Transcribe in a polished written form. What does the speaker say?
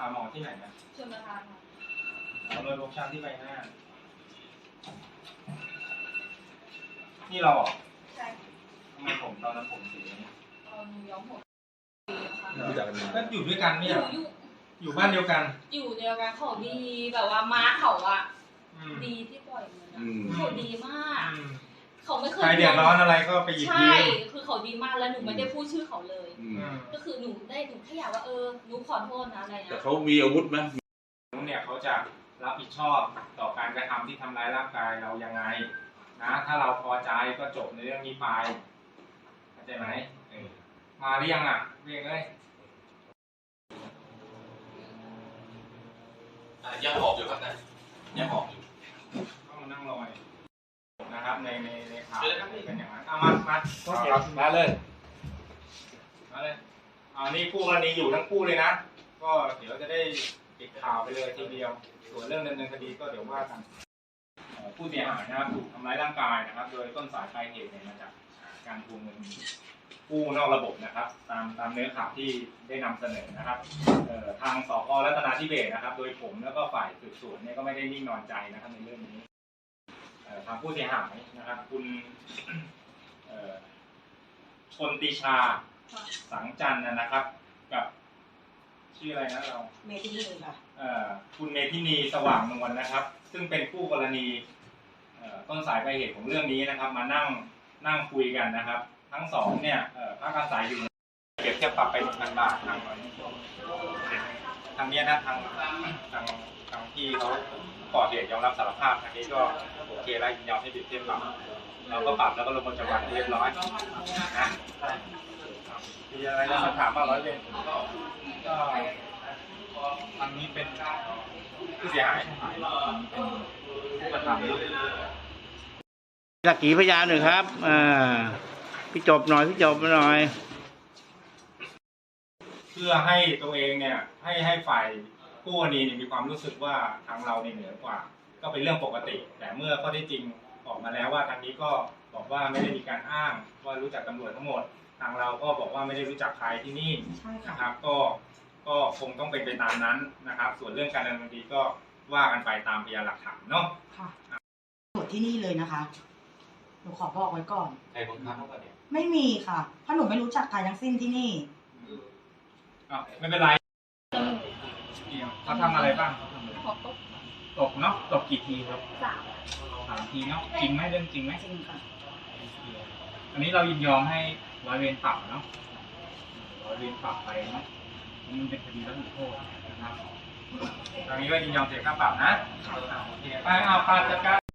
หมอที่ไหนนะชลประทานค่ะเอาเลยฟกช้ำที่ใบหน้านี่เราใช่ทำไมผมตอนนั้นผมสีนี้หนูย้อมผมรู้จักกันก็อยู่ด้วยกันเนี่ยอยู่บ้านเดียวกันอยู่เดียวกันเขาดีแบบว่าม้าเขาอะดีที่ปล่อยเงินเขาดีมากเขาไม่เคยใครเดือดร้อนอะไรก็ไปหยิบยืมใช่คือเขาดีมากแล้วหนูไม่ได้พูดชื่อเขาเลยก็คือหนูแค่อยากว่าหนูขอโทษนะอะไรนะแต่เขามีอาวุธไหมเนี่ยเขาจะรับผิดชอบต่อการกระทำที่ทำร้ายร่างกายเรายังไงนะถ้าเราพอใจก็จบในเรื่องนี้ไปเข้าใจไหมมาหรือยังอ่ะเรียกเลยยังหอบอยู่ครับนะยังหอบอยู่ต้องนั่งรอยนะครับในข่าวเป็นอย่างนั้นเอามาเลยนี่คู่กรณีอยู่ทั้งคู่เลยนะก็เดี๋ยวจะได้ปิดข่าวไปเลยทีเดียวส่วนเรื่องดำเนินคดีก็เดี๋ยวว่ากันผู้เสียหายนะครับถูกทำร้ายร่างกายนะครับโดยต้นสายปลายเหตุมาจากการทวงเงินกู้นอกระบบนะครับตามเนื้อข่าวที่ได้นำเสนอนะครับทางสพ.รัตนาธิเบศรนะครับโดยผมแล้วก็ฝ่ายสืบสวนเนี่ยก็ไม่ได้นิ่งนอนใจนะครับในเรื่องนี้ทางผู้เสียหายนะครับคุณชนติชาสังจันทร์นะครับกับชื่ออะไรนะเราเมทินีค่ะคุณเมทินีสว่างนวลนะครับซึ่งเป็นคู่กรณีต้นสายปลายเหตุของเรื่องนี้นะครับมานั่งคุยกันนะครับทั้งสองเนี่ยพักอาศัยอยู่เก็บเทียบปรับไป 1,000 บาททางนี้นะทางที่เขาก่อเหตุยอมรับสารภาพทางนี้ก็โอเคแล้วยินยอมให้ติดเทียบปรับเราก็ปรับแล้วก็ลงบันทึกประจำวันเรียบร้อยนะมีอะไรจะถามบ้างร้อยเวรก็ทางนี้เป็นผู้เสียหายเป็นผู้กระทำสักขีพยานหนึ่งครับพี่จบหน่อยเพื่อให้ตัวเองเนี่ยให้ฝ่ายผู้กรณีมีความรู้สึกว่าทางเราเหนือกว่าก็เป็นเรื่องปกติแต่เมื่อข้อที่จริงออกมาแล้วว่าทางนี้ก็บอกว่าไม่ได้มีการอ้างว่ารู้จักตำรวจทั้งหมดทางเราก็บอกว่าไม่ได้รู้จักใครที่นี่นะครับก็คงต้องเป็นไปตามนั้นนะครับส่วนเรื่องการดำเนินคดีก็ว่ากันไปตามพยานหลักฐานเนาะค่ะตรวจที่นี่เลยนะคะหนูขอบอกไว้ก่อนใครบังคับเขาเนี่ยไม่มีค่ะเพราะหนูไม่รู้จักใครทั้งสิ้นที่นี่ไม่เป็นไรเขาทำอะไรบ้างตกเนาะตกกี่ทีครับ3 ทีเนาะจริงไหมเรื่องจริงไหมจริงค่ะอันนี้เรายินยอมให้ร้อยเวรปรับเนาะร้อยเวรปรับไปเนาะมันเป็นคดีรับผิดโทษนะครับตอนนี้ก็ยินยอมเสียค่าปรับนะโอเคไปเอาปาจัดการ